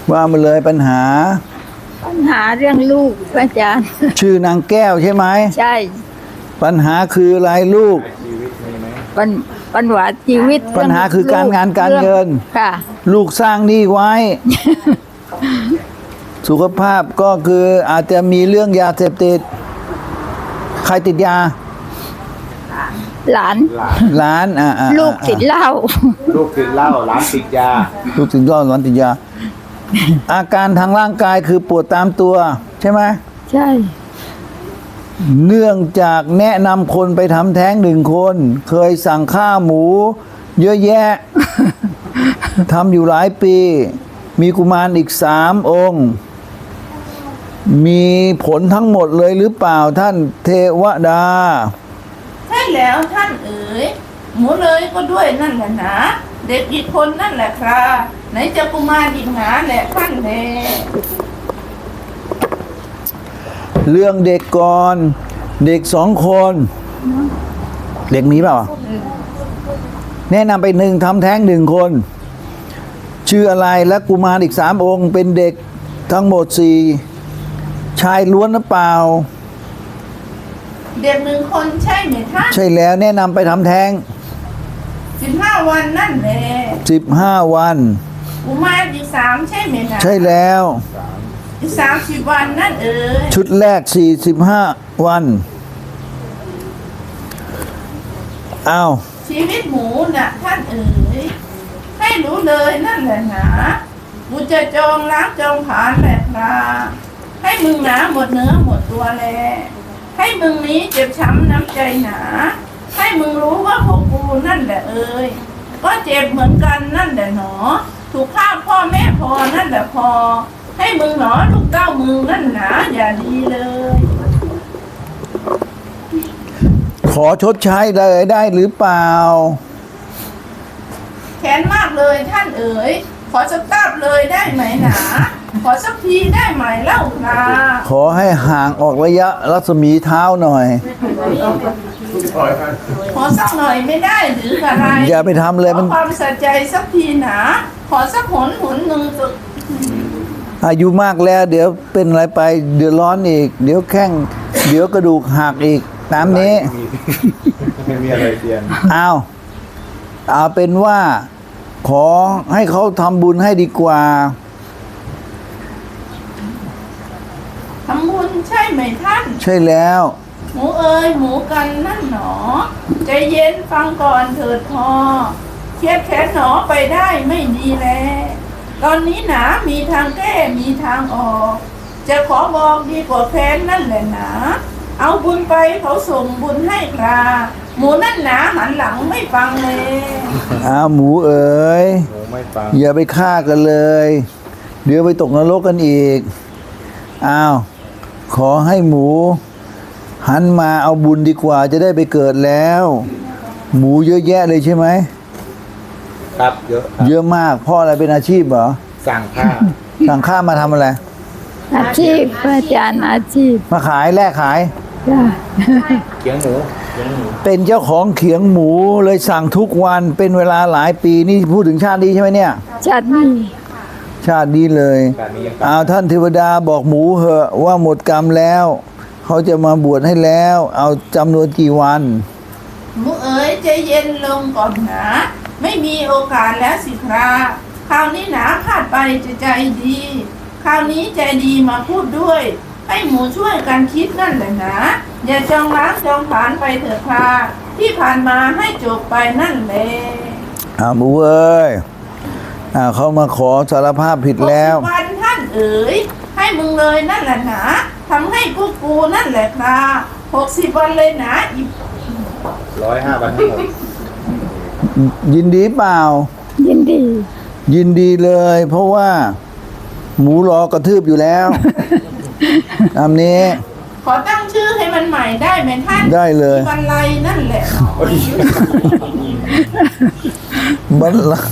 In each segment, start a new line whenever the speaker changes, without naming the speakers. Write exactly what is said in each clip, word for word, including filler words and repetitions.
ว่ามาเลยปัญหา
ปัญหาเรื่องลูกอาจารย์
ชื่อนางแก้วใช่ไหม
ใช่
ปัญหาคืออะไรลูก
ปัญปัญหาชีวิต
ปัญหาคือการงานการเงิน
ค่ะ
ลูกสร้างหนี้ไว้ สุขภาพก็คืออาจจะมีเรื่องยาเสพติดใครติดยา
หลาน
หลานอ่า
ลูกติดเหล้า
ลูกติดเหล้าหลานติดยา
ลูกติดเหล้าหลานติดยาอาการทางร่างกายคือปวดตามตัวใช่ไหม
ใช่
เนื่องจากแนะนำคนไปทำแท้งหนึ่งคนเคยสั่งข้าหมูเยอะแยะ ทำอยู่หลายปีมีกุมารอีกสามองค์มีผลทั้งหมดเลยหรือเปล่าท่านเทวดา
ใช่แล้วท่านเอ๋ยหมูเลยก็ด้วยนั่นแหละนะเด็กอีกคนนั่นแหละครับไหนจะกุมารอีกหาแหละท่านแล
เรื่องเด็กก่อนเด็กสองคนเด็กมีเปล่าแนะนำไปหนึ่งทำแท้งหนึ่งคนชื่ออะไรและกุมารอีกสามองค์เป็นเด็กทั้งหมดสี่ชายล้วนหรือเปล่า
เด็กหนึ่งคนใช่ไหมท่าน
ใช่แล้วแนะนำไปทำแท้ง
สิบห้าวันนั่นแหละ
สิบห้าวัน
กุมารอีกสามใช่ไหมนะ
ใช่แล้ว
อีกสามสิบวันนั่นเอ๋ย
ชุดแรกสี่สิบห้าวันอ้าว
ชีวิตหมูน่ะท่านเอ๋ยให้รู้เลยนั่นแหละนะกูจะจองล้างจองผลาญแหละนะให้มึงหนาหมดเนื้อหมดตัวแลให้มึงนี้เจ็บช้ำน้ำใจหนาให้มึงรู้ว่าพวกกูนั่นแหละเอ๋ยก็เจ็บเหมือนกันนั่นแหละหนอถูกฆ่าพ่อแม่พอนั่นแหละพอให้มึงหนอลูกเต้ามึงนั่นหนาอย่าดีเลย
ขอชดใช้เลยได้หรือเปล่า
แค้นมากเลยท่านเอ๋ยขอสักตับเลยได้ไหมหนาขอสักทีได้ไหมเล่าค่ะ
ขอให้ห่างออกระยะรัศมีเท้าหน่อย
ขอสักหน่อยไม่ได้หรืออะไร
อย่าไปทำเลยมัน
ความสะใจสักทีหนาขอสักหนหนหนึ่งสุด
อายุมากแล้วเดี๋ยวเป็นอะไรไปเดือดร้อนอีกเดี๋ยวแข้งเดี๋ยวกระดูกหักอีกตามนี้
ไม่มีอะไรเปลี่ยน
เอาเอาเป็นว่าขอให้เขาทำบุญให้ดีกว่า
ทำบุญใช่ไหมท่าน
ใช่แล้ว
หมูเอ๋ยหมูกันนั่นหนอใจเย็นฟังก่อนเถิดพอเครียดแค้นหนอไปได้ไม่ดีแลตอนนี้หนามีทางแก้มีทางออกจะขอบอกดีกว่าแค้นนั่นแหละหนาเอาบุญไปเขาส่งบุญให้คราหมูนั่นหนาหันหลังไม่ฟังเลย
อ้าวหมูเอ๋ย
หมูไม่ฟัง
อย่าไปฆ่ากันเลยเดี๋ยวไปตกนรกกันอีกอ้าวขอให้หมูหันมาเอาบุญดีกว่าจะได้ไปเกิดแล้วหมูเยอะแยะเลยใช่ไหม
ครับเยอะ
เยอะมากพ่ออะไรเป็นอาชีพเหรอ
สั่งข้า
สั่งข้ามาทำอะไร
อาชีพอาจารย์อาชีพ
มาขายแลกขาย
เขียงหมู
เป็นเจ้าของเขียงหมูเลยสั่งทุกวันเป็นเวลาหลายปีนี่พูดถึงชาตินี้ใช่ไหมเนี่ย
ชาตินี้
ชาตินี้เลยเอาท่านเทวดาบอกหมูเหอะว่าหมดกรรมแล้วเขาจะมาบวชให้แล้วเอาจำนวนกี่วัน
หมูเอ๋ยใจเย็นลงก่อนนะไม่มีโอกาสแล้วสิคราคราวนี้หนาพลาดไปจะใจดีคราวนี้ใจดีมาพูดด้วยให้หมูช่วยกันคิดนั่นแหละนะอย่าจองล้างจองผลาญไปเถิดคราที่ผ่านมาให้จบไปนั่นแหละ
อ่าหมูเอ้ยอ่าเขามาขอสารภาพผิดแล้ว
วันท่านเอ๋ยให้มึงเลยนั่นแหละนะทำให้กูกูนั่นแหละคราหกสิบวันเลยนะอีก
ร้อยห้าวันทั้งหมด
ยินดีเปล่า
ยินดี
ยินดีเลยเพราะว่าหมูรอกระทืบอยู่แล้วตามนี้
ขอตั้งชื่อให้มันใหม่ได้ไหมท่าน
ได้เลย
บรรลัยนั่นแหละ
บรรลัย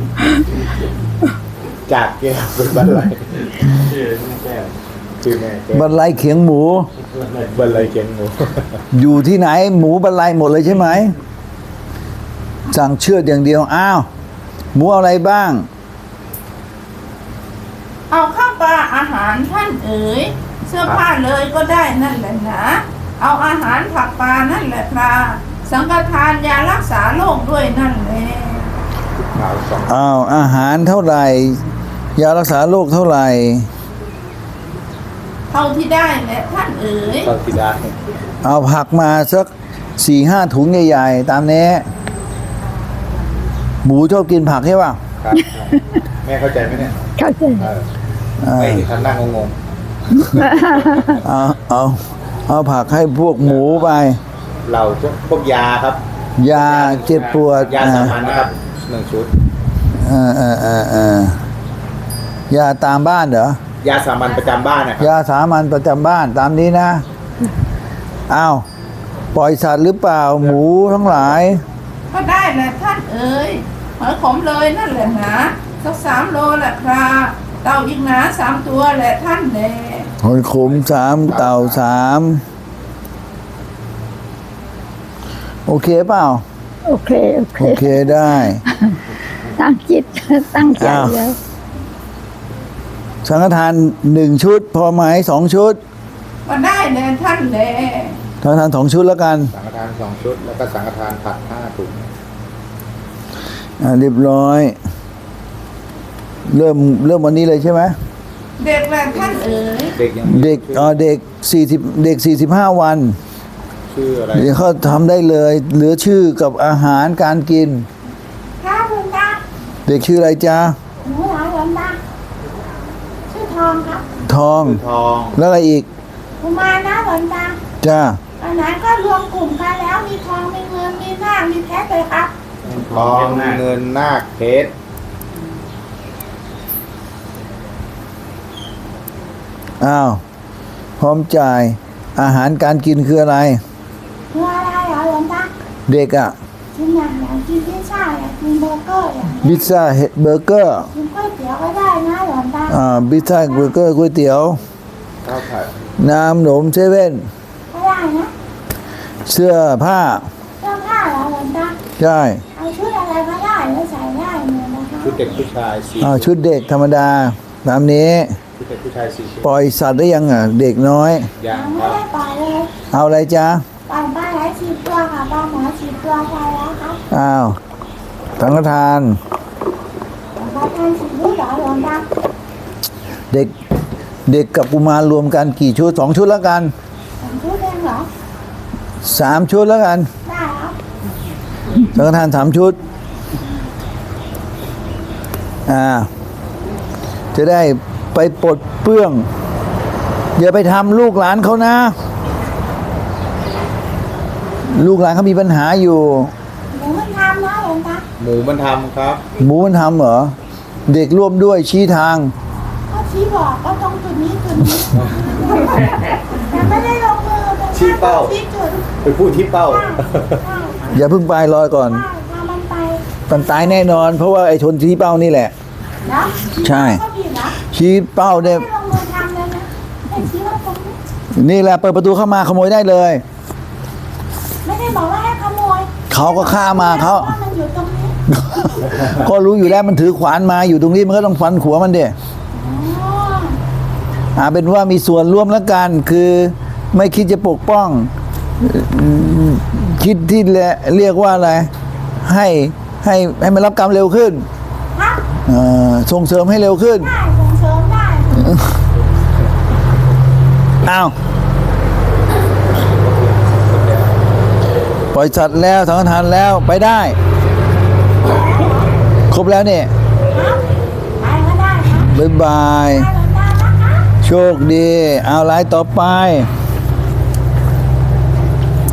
จากแก้วเป็นบรรลัยชื่อแก้วชื่อแม่
บรรลัยเขียงหมู
บรรลัยเขียงหมู
อยู่ที่ไหนหมูบรรลัยหมดเลยใช่ไหมสั่งเชือดอย่างเดียวอ้าวหมูอะไรบ้าง
อหารท่านเอ๋ยเสื้อผ้าเลยก็ได้นั่นแหละนะเอาอาหารผักปลานั่นแหละครับสังฆทานยารักษาโรคด้วยนั่นแหละ
ขาวสอง
อ้าวอาหารเท่าไหร่ยารักษาโรคเท่าไหร่
เท่าที่ได้แหละท่านเอ๋ย
ตอนที่ได้
เอาผักมาสักสี่ห้าถุงใหญ่ๆตามนี้หมูชอบกินผักใช่ป่ะ
ครับ แม่เข้าใจไหมเนี่ย
เข้าใจ
เออ
เออ
ไม่ทำหน้างง
เอาเอาเอาผักให้พวกหมูไป
ๆเราพวกยาครับ
ยาเจ็บปวด
ยาสามัญนะครับหนึ่งชุด
เออเออเออเออยาตามบ้านเหรอย
าสามัญประจำบ้านนะครับ
ยาสามัญประจำบ้านตามนี้นะอ้าวปล่อยสัตว์หรือเปล่าหมูทั้งหลาย
ก็ได้แหละท่านเอ๋ยหอยขมเลยนั่นแหละนะสักสามโลแหละครับเต่าอีกหนาสามตัวแหละท่านแหละ
หอยขมสามเต่าสามโอเคเปล่า
โอเค โอเค
โอเคได้
ตั้งจิต ตั้งใจ
อ้าว
แล้ว
สังฆทานหนึ่งชุด พอไหมสองชุด
ก็ได้แหละท่านแหละ
สังฆทานสองชุดแล้วกัน
สังฆทานสองชุด แล้วก็สังฆทานผักห้าถุง
อ่าเรียบร้อย เริ่มเริ่มวันนี้เลยใช่ไหม
เด็กแหละท่านเอ๋ย
เด็กยังมี
เด็ก
ชื่อ
เอ่อเด็กสี่สิบเด็กสี่สิบห้าวัน
ชื่ออะไร
เดี๋ยวเขาทำได้เลย เหลือชื่อกับอาหารการกิน
ครับคุณตา
เด็กชื่ออะไรจ๊ะ
หนูเหรอหลวงตาชื่อทองครับ
ทอง
ชื่อทอง
แล้วอะไรอีก
กุมารนะหลวงตา
จ้า
ตอนนั้นก็รวมกลุ่มกันแล้วมีทองมีเงินมีนาคมีเพชรเลยครับ
ทองเงินนาคเพชร
อ้าวพร้อมจ่ายอาหารการกินคืออะไร
คืออะไรเหรอหลวงตา
เด็กอะ
กินอย่างอย่างกินพิซซ่าอย่างกินเบอร์เกอร์อย่างนี้
พิซซ่าเฮดเบอร์เกอร์
กินก๋วยเตี๋ยวก็ได้นะหลวงตา
อ่าพิซซ่าเบอร์เกอร์ก๋วยเตี๋ยว
ข้าวผัด
น้ำหนมเซเว่น
ก็ได้นะ
เสื้อผ้า
เสื้อผ้าเหรอหลวงตา
ใช่
เอาชุดอะไรก็ได้แล้วใส่ได้เหมือนนะคะ
ชุดเด็กผู้ชายสี่
อ่าชุดเด็กธรรมดาตามนี้
ชุดเด็กผู้ชายสี่ชุด
ปล่อยสัตว์ได้ยังอ่ะ เด็กน้อย
ยัง
ยัง
ค
ไม่
รับ
ได้ปล่อยเลย
เอาอะไรจ๊ะ
ปล่อยปลาไหลสิบตัวค่ะปลาหมอสิบตัวพอแล้วครับ
อ้าวสังฆทาน
ปลาทานสิบลูกเหรอหลวงตา
เด็กเด็กกับกุมารรวมกันกี่ชุดสองชุดแล้วกัน
สองชุดเองเหรอ
สามชุดแล้วกัน
ได้ครับ
สังฆทานสามชุดอ่าจะได้ไปปลดเปลื้อง อย่าไปทำลูกหลานเขานะ ลูกหลานเขามีปัญหาอยู่
หนูมันทำนะหลวงตา
หมูมันทำครับ
หมูมันทำเหรอ เด็กร่วมด้วยชี้ทาง
ก็ชี้บอกก็ตรงจุดนี้จุดนี้แต่ไม่ได้ลงมือเป็น
ชี้เป้า
ชี้จุด
ไปพูดที่เป้า
ใช่ใช่
อย่าเพิ่งไปรอก่อน
ใช่พามันไป
มันตายแน่นอน เพราะว่าไอ้ชนชี้เป้านี่แหละ
นะ
ใช่
ก็ผิดนะ
ชี้เป้าเนี่ย
ไม่ลงมือทำเลยนะแต่ชี้ว่าตรงนี้
นี่แหละเปิดประตูเข้ามาขโมยได้เลย
ไม่ได้บอกว่าให้ขโมย
เขาก็ฆ่ามาเขา
ว่ามันอยู่ตรงนี้
ก็รู้อยู่แล้วมันถือขวานมาอยู่ตรงนี้มันก็ต้องฟันขัวมันเด้
อ๋อ
อ่าเป็นว่ามีส่วนร่วมแล้วกัน คือไม่คิดจะปกป้องอืมคิดที่เรียกว่าอะไร ให้ให้ให้มันรับกรรมเร็วขึ้น
ครับ
เอ่อส่งเสริมให้เร็วขึ้น
ได้ส่งเสริมได้
อ้าวปล่อยสัตว์แล้วสังฆทานแล้วไปได้ ครบแล้วเนี่ย
ครับไปก็ได้ครับ
บ๊ายบาย
ได้หลวงตานะคะ
โชคดี เอาไลน์ต่อไป
ค